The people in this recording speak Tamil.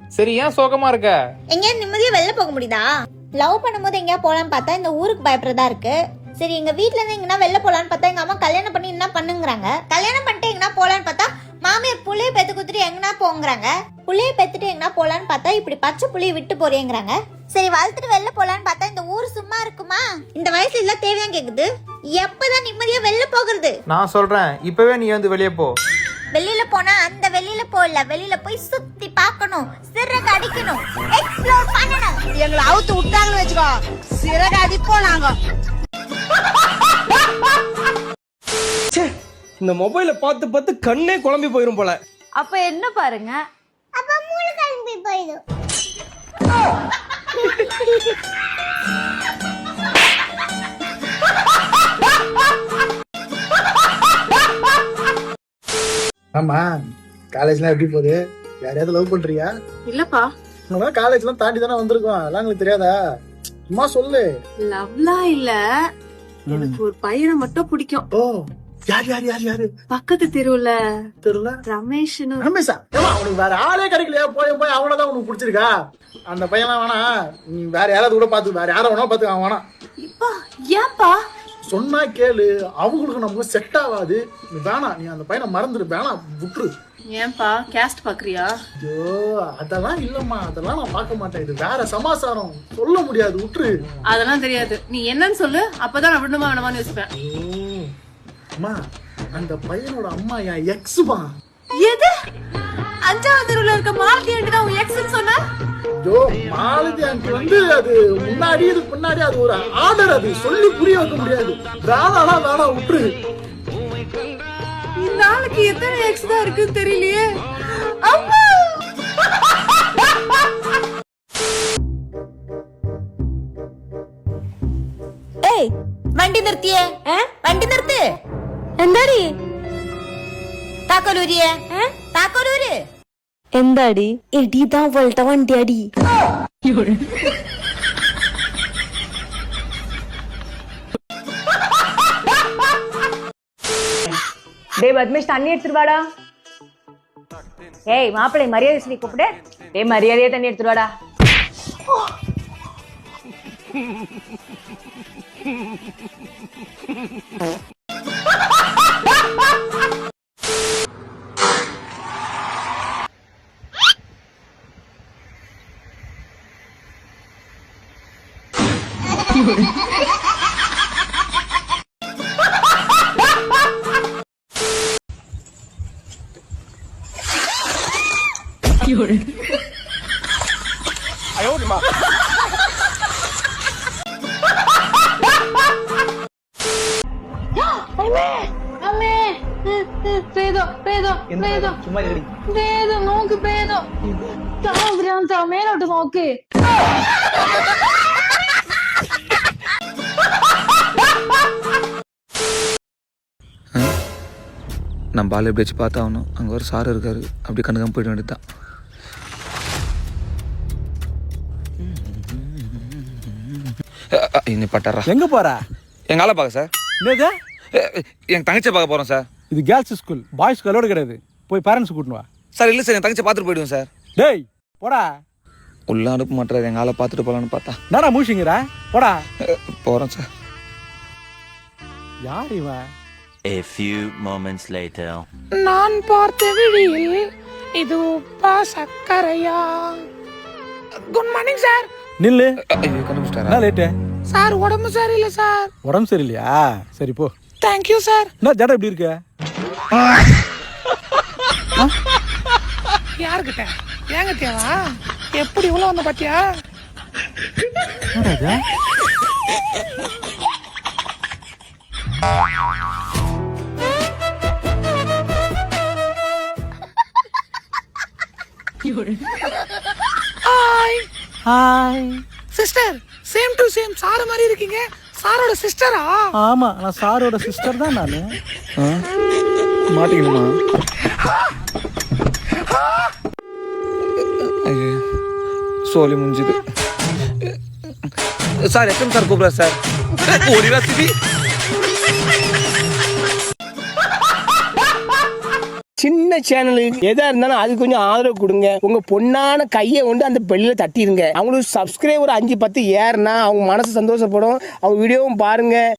சரி, ஏன் சோகமா இருக்க? எங்கேயாவது நிம்மதியா வெளில போக முடியுதா? லவ் பண்ணும்போது எங்கேயா போலான்னு பார்த்தா இந்த ஊருக்கு பயப்படுறதா இருக்கு. சரி, எங்க வீட்ல இருந்து எங்கன்னா வெளில போலான்னு பார்த்தா எங்க அம்மா கல்யாணம் பண்ணி என்ன பண்ணுங்கிறாங்க. கல்யாணம் பண்ணிட்டு எங்கன்னா போலான்னு பார்த்தா மாமியார் புள்ளைய பெத்து குத்துட்டு எங்கன்னா போங்கிறாங்க. புள்ளைய பெத்துட்டு எங்கன்னா போலான்னு பார்த்தா இப்படி பச்சை புள்ளைய விட்டு போறேங்கிறாங்க. சரி, வளர்த்துட்டு வெளில போலான்னு பார்த்தா இந்த ஊர் சும்மா இருக்குமா? இந்த வயசுல எல்லாம் தேவையா கேக்குது. எப்பதான் நிம்மதியா வெளில போகிறது? நான் சொல்றேன், இப்பவே நீ வந்து வெளியே போ. வெளியில போனா அந்த வெளியில போல, வெளியில போய் சுத்தி பார்க்கணும், சிறகு அடிக்கணும், எக்ஸ்ப்ளோர் பண்ணணும். எங்களை அவுத்து விட்டாங்கன்னு வச்சுக்கோ, சிறகு அடிப்போம் நாங்க. இந்த மொபைல பார்த்து பார்த்து கண்ணே குழம்பி போயிரும் போல. அப்ப என்ன பாருங்க, அப்ப மூளை கிளம்பி போயிடும். ஆமா, காலேஜ்லாம் எப்படி போகுது? யாரையாவது லவ் பண்றியா? இல்லப்பா. காலேஜ்லாம் தாண்டி தானே வந்திருக்கோம், அதெல்லாம் உங்களுக்கு தெரியாதா? சும்மா சொல்லு. லவ்லாம் இல்ல, எனக்கு ஒரு பையனை மட்டும் பிடிக்கும். ஓ, யார் யார் யார் யாரு? பக்கத்து தெருவுல தெரியல. ரமேஷ்னு. ரமேஷா? ஏமா, அவனுக்கு வேற ஆளே கிடைக்கலையா? போய் போய் அவனதான் உனக்கு பிடிச்சிருக்கா? அந்த பையன்லாம் வேணா, நீ வேற யாராவது கூட பாத்து, வேற யாரை வேணா பாத்து, அவன் வேணாம். இப்பா ஏன்பா? சொன்னா கேளு, அவங்களுக்கு நமக்கு செட் ஆகாது. நீ வேணாம், நீ அந்த பையனை மறந்துடு, வேணாம், விட்டுரு. ஏன்பா கேஸ்ட் பாக்குறியா? ஐயோ, அதெல்லாம் இல்லம்மா, அதெல்லாம் நான் பார்க்க மாட்டேன். இது வேற சமாசாரம், சொல்ல முடியாது, விட்டுரு. அதெல்லாம் தெரியாது, நீ என்னன்னு சொல்லு, அப்பதான் நான் விடணுமா வேணாமான்னு யோசிப்பேன். அம்மா, அந்த பையனோட அம்மா என் எக்ஸ்மா. எது? 5வது தெருவுல இருக்க மாலதி ஆண்டி தான் உன் எக்ஸ்னு சொன்ன? ஐயோ, மாலதி ஆண்டி வந்து அது முன்னாடி, இதுக்கு முன்னாடி அது ஒரு ஆர்டர், அது சொல்லி புரிய வைக்க முடியாது. வேணாம், விட்டுரு. இந்த ஆளுக்கு எத்தனை எக்ஸ் தான் இருக்குன்னு தெரியலையே. அம்மா, ஏய், வண்டி நிறுத்தியே. வண்டி நிறுத்து. എന്താടി താക്കോലൂരിയെ താക്കോലൂര്. എന്താടി എടിതാ അവളുടെ വണ്ടി അടി. டேய் பத்மேஷ், தண்ணி எடுத்துட்டு வாடா. ஏய் மாப்பிள்ளை, மரியாதை சொல்லி கூப்பிடு. டேய் மரியாதையா தண்ணி எடுத்துட்டு வாடா. നോക്ക് പേതോ മേലോട്ട് നോക്ക്. நம்ம பால் எப்படி வச்சு பார்த்தாகணும். அங்கே ஒரு சார் இருக்காரு, அப்படி கண்டுக்காம போயிட வேண்டியதுதான். இன்னும் பட்டாரா? எங்க போற? எங்க ஆளை பார்க்க சார். என்னது? என் தங்கச்சியை பார்க்க போறோம் சார். இது கேர்ள்ஸ் ஸ்கூல், பாய்ஸ் கலோடு கிடையாது. போய் பேரண்ட்ஸ் கூட்டினு வா. சார் இல்லை சார், என் தங்கச்சி பார்த்துட்டு போயிடுவோம் சார். டேய் போடா. உள்ள அனுப்ப மாட்டாரு, எங்க ஆளை பார்த்துட்டு போலான்னு பார்த்தா. நானா மூஷிங்கிற? போடா. போறோம் சார். யார் இவன்? A few moments later. நான் பார்த்த விழியில் இது உப்பா சக்கரையா. Good morning sir. நில்லு. கண்டுபிடிச்சிட்டாரா? என்ன லேட்டு? சார் உடம்பு சரியில்லை சார். உடம்பு சரியில்லையா? சரி போ. Thank you sir. என்ன ஜடை எப்படி இருக்க? யாருக்கிட்ட? ஏங்கிட்டேவா? எப்படி இவ்வளோ வந்த பாத்தியா? Hi hi sister, same to same sir மாதிரி இருக்கீங்க. சாரோட சிஸ்டரா? ஆமா, நான் சாரோட சிஸ்டர் தான் நானு. மாட்டிக்கணுமா? சோலி முடிஞ்சுது சார். எத்தனை சார் கூப்பிடுற சார்? ஒரு சின்ன சேனல் எதா இருந்தாலும் அது கொஞ்சம் ஆதரவு கொடுங்க. உங்க பொண்ணான கையை கொண்டு அந்த பெல்லில தட்டிடுங்க. அவங்களுக்கு சப்ஸ்கிரைபர் 5-10 ஏறுனா அவங்க மனசு சந்தோஷப்படும். அவங்க வீடியோவும் பாருங்க.